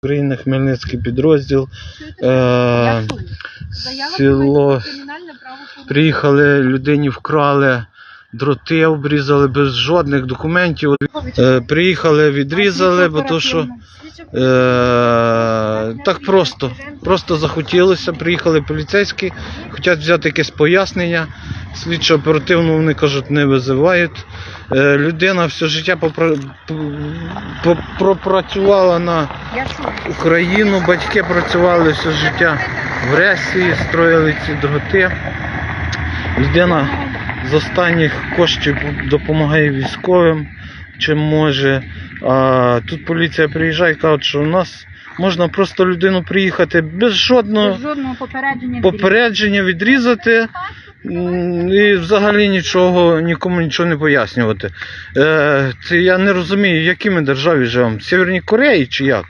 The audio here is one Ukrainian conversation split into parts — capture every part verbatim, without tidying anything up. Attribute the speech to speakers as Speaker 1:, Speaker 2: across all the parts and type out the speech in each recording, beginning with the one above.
Speaker 1: України, Хмельницький підрозділ, е, село, приїхали, людині вкрали дроти, обрізали без жодних документів. Е, приїхали, відрізали, бо то що е, так просто, просто захотілося, приїхали поліцейські, хочуть взяти якесь пояснення, слідчо оперативно вони кажуть, не визивають. Е, людина все життя попра... пропрацювала на Україну, батьки працювали все життя в Ресії, строїли ці дроти. Людина з останніх коштів допомагає військовим, чим може. А тут поліція приїжджає і каже, що у нас можна просто людину приїхати без жодного,
Speaker 2: без жодного попередження,
Speaker 1: попередження відрізати і взагалі нічого, нікому нічого не пояснювати. Е, це я не розумію, в якій ми державі живемо, в Северній Кореї чи як?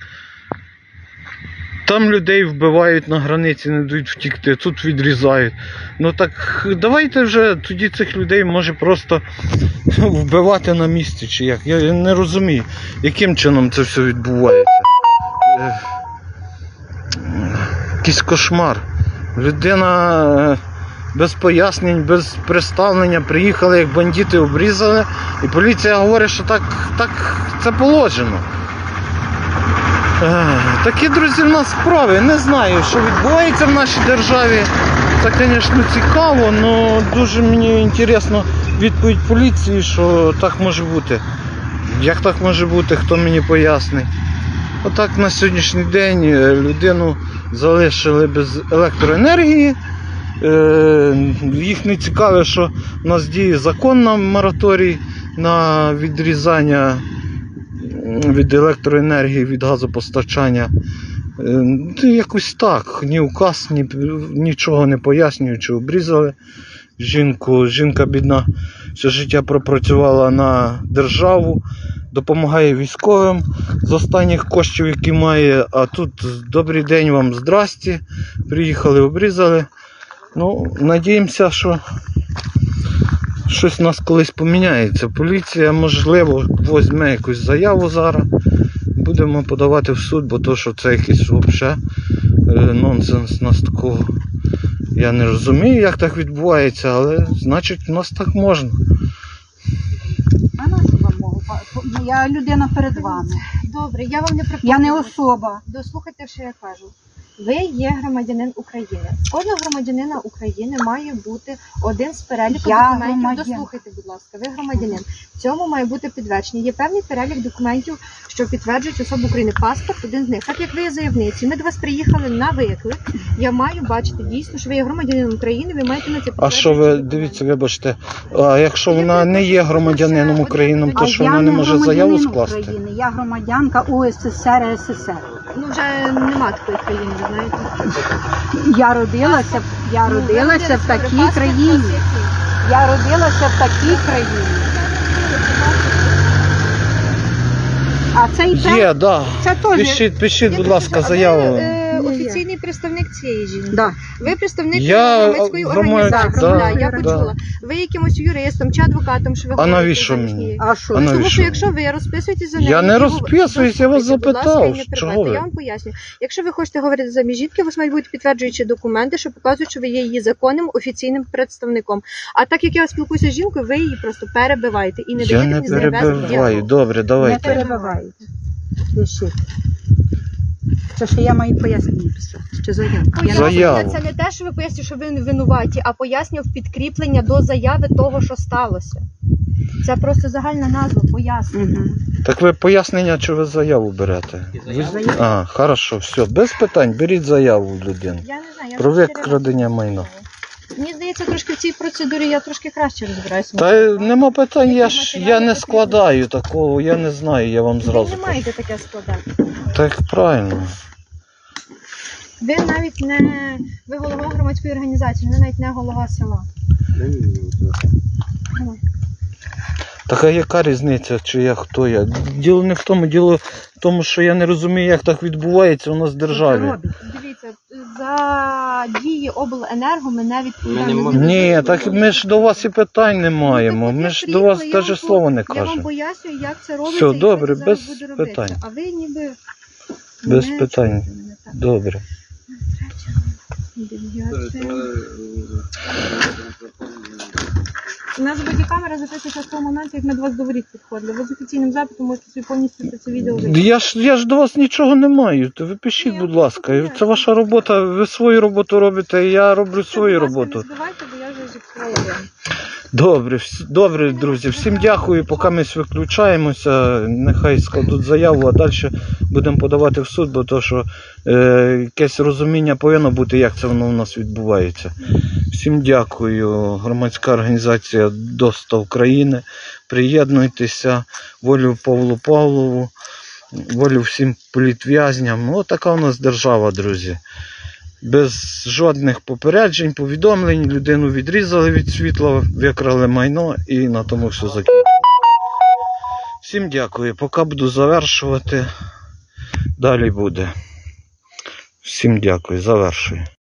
Speaker 1: Там людей вбивають на границі, не дають втікти, тут відрізають. Ну так давайте вже тоді цих людей може просто вбивати на місці чи як. Я не розумію, яким чином це все відбувається. Якийсь кошмар. Людина без пояснень, без представлення приїхали, як бандити обрізали. І поліція говорить, що так, так це положено. Такі, друзі, в нас справи. Не знаю, що відбувається в нашій державі. Це, звісно, цікаво, але дуже мені цікаво відповідь поліції, що так може бути. Як так може бути, хто мені пояснить. Отак на сьогоднішній день людину залишили без електроенергії. Їх не цікавить, що у нас діє закон на мораторій на відрізання від електроенергії, від газопостачання. Якось так, ні указ, ні, нічого не пояснюючи, обрізали жінку. Жінка бідна все життя пропрацювала на державу, допомагає військовим з останніх коштів, які має, а тут добрий день вам, здрасті, приїхали, обрізали. Ну, надіємося, що щось у нас колись поміняється. Поліція, можливо, візьме якусь заяву зараз. Будемо подавати в суд, бо то, що це якийсь взагалі нонсенс. Нас такого, я не розумію, як так відбувається, але значить у нас так можна.
Speaker 2: А на що вам можу? Я людина перед вами.
Speaker 3: Добре, я вам не пропоную.
Speaker 2: Я не особа.
Speaker 3: Дослухайте, що я кажу. Ви є громадянин України. Кожного громадянина України має бути один з переліку
Speaker 2: Я
Speaker 3: документів.
Speaker 2: громадян.
Speaker 3: Дослухайте, будь ласка, ви громадянин. В цьому має бути підтвердження. Є певний перелік документів, що підтверджують особу України. Паспорт один з них. Так як ви є заявниці, ми до вас приїхали на виклик. Я маю бачити дійсно, що ви є громадянином України, ви маєте на це підтвердження.
Speaker 1: А що ви, дивіться, вибачте, а якщо вона не є громадянином України, то що вона не може заяву скласти?
Speaker 2: України. Я громадянка УССР, СССР.
Speaker 3: Ну вже нема такої країни, ви знаєте.
Speaker 2: Я родилася, я
Speaker 3: Ну,
Speaker 2: родилася в такій
Speaker 3: паспорт
Speaker 2: країні.
Speaker 3: у вас який?
Speaker 2: Я родилася в такій країні. А цей
Speaker 1: Є, так. Да.
Speaker 2: це теж.
Speaker 1: Пишіть, пишіть,
Speaker 3: Я
Speaker 1: будь
Speaker 3: так
Speaker 1: ласка,
Speaker 3: кажу, а ви,
Speaker 1: заяву.
Speaker 3: е,
Speaker 2: Ні,
Speaker 3: офіційний представник цієї жінки.
Speaker 2: Да.
Speaker 3: Ви представник
Speaker 1: Я
Speaker 3: громадської
Speaker 1: громад-
Speaker 3: організації.
Speaker 1: да,
Speaker 3: Да, я
Speaker 1: да.
Speaker 3: почула. Ви якимось юристом чи адвокатом, що ви
Speaker 1: А
Speaker 3: говорите
Speaker 1: навіщо
Speaker 3: замість
Speaker 1: мені?
Speaker 3: неї?
Speaker 2: А що?
Speaker 1: А
Speaker 3: Тому
Speaker 1: навіщо?
Speaker 3: що якщо ви розписуєтесь за неї...
Speaker 1: Я не
Speaker 3: і ви-
Speaker 1: розписуюсь, я вас
Speaker 3: Дослухайте, будь ласка,
Speaker 1: запитав,
Speaker 3: і не
Speaker 1: чого
Speaker 3: перебивайте.
Speaker 1: ви?
Speaker 3: Я вам поясню. Якщо ви хочете говорити замість жінки, у вас мають бути підтверджуючі документи, що показують, що ви є її законним офіційним представником. А так як я спілкуюся з жінкою, ви її просто перебиваєте і не
Speaker 1: Я
Speaker 3: даєте
Speaker 1: не
Speaker 3: мені завести
Speaker 1: перебиваю.
Speaker 3: діалог.
Speaker 1: Добре,
Speaker 2: Не
Speaker 1: давайте.
Speaker 2: перебивайте. Пишіть. Це що я маю пояснення писати? Чи заявку? Я не-
Speaker 1: Заяву.
Speaker 3: Пояснення це не те, що ви пояснюєте, що ви не винуваті, а пояснює в підкріплення до заяви того, що сталося. Це просто загальна назва, пояснення.
Speaker 2: Мгм.
Speaker 1: Так ви пояснення, чи ви заяву берете? Ви...
Speaker 2: Заяву.
Speaker 1: А, хорошо, все, без питань, беріть заяву в людини.
Speaker 3: Я не знаю, я
Speaker 1: Про
Speaker 3: вже чотири рази
Speaker 1: викрадення
Speaker 3: це
Speaker 1: майна.
Speaker 3: сказала. Мені здається, трошки в цій процедурі я трошки краще розбираюся.
Speaker 1: Та й нема питань, я ж я не складаю такого, я не знаю, я вам
Speaker 3: Ви
Speaker 1: зразу
Speaker 3: не
Speaker 1: кажу.
Speaker 3: маєте таке складати.
Speaker 1: Так правильно.
Speaker 3: Ви навіть не ви голова громадської організації, ви навіть не голова села. Ну,
Speaker 1: Так а яка різниця, чи я хто я? Діло не в тому, діло в тому, що я не розумію, як так відбувається у нас в державі.
Speaker 2: Робить.
Speaker 3: Дивіться, за дії обленерго ми не відповідаємо.
Speaker 1: Ні, так ми ж до вас і питань не маємо.
Speaker 3: Ну, так
Speaker 1: Ми
Speaker 3: от
Speaker 1: ж
Speaker 3: я
Speaker 1: до вас
Speaker 3: приїхала, я
Speaker 1: навіть
Speaker 3: вам
Speaker 1: слова не
Speaker 3: Я вам
Speaker 1: кажемо.
Speaker 3: пояснюю, як це робиться
Speaker 1: Все,
Speaker 3: і
Speaker 1: добре,
Speaker 3: що це зараз
Speaker 1: без
Speaker 3: буде робитися.
Speaker 1: питань.
Speaker 3: А ви ніби
Speaker 1: Без
Speaker 3: Мене
Speaker 1: питань.
Speaker 3: чути мене, так.
Speaker 1: Добре.
Speaker 3: Дев'яте. У нас бодікамера записується з того моменту, як ми до вас до воріт підходили. Ви з офіційним запитом можете собі повністю це, це відео вийти.
Speaker 1: Я ж, я ж до вас нічого не маю. То ви пишіть,
Speaker 3: Ні,
Speaker 1: будь
Speaker 3: я
Speaker 1: ласка.
Speaker 3: просто
Speaker 1: Це ваша робота, ви свою роботу робите, я роблю свою
Speaker 3: Будь ласка,
Speaker 1: роботу.
Speaker 3: Не збивайте, бо я вже зіпсувала вам.
Speaker 1: Добре, вс- добре, друзі. Всім дякую. Поки ми виключаємося, нехай складуть заяву, а далі будемо подавати в суд, бо то, що е, якесь розуміння повинно бути, як це воно у нас відбувається. Всім дякую. Громадська організація ДОСТА України. Приєднуйтеся. Волю Павлу Павлову, волю всім політв'язням. Ну, така у нас держава, друзі. Без жодних попереджень, повідомлень, людину відрізали від світла, викрали майно і на тому все закінчилося. Всім дякую. Поки буду завершувати, далі буде. Всім дякую. Завершую.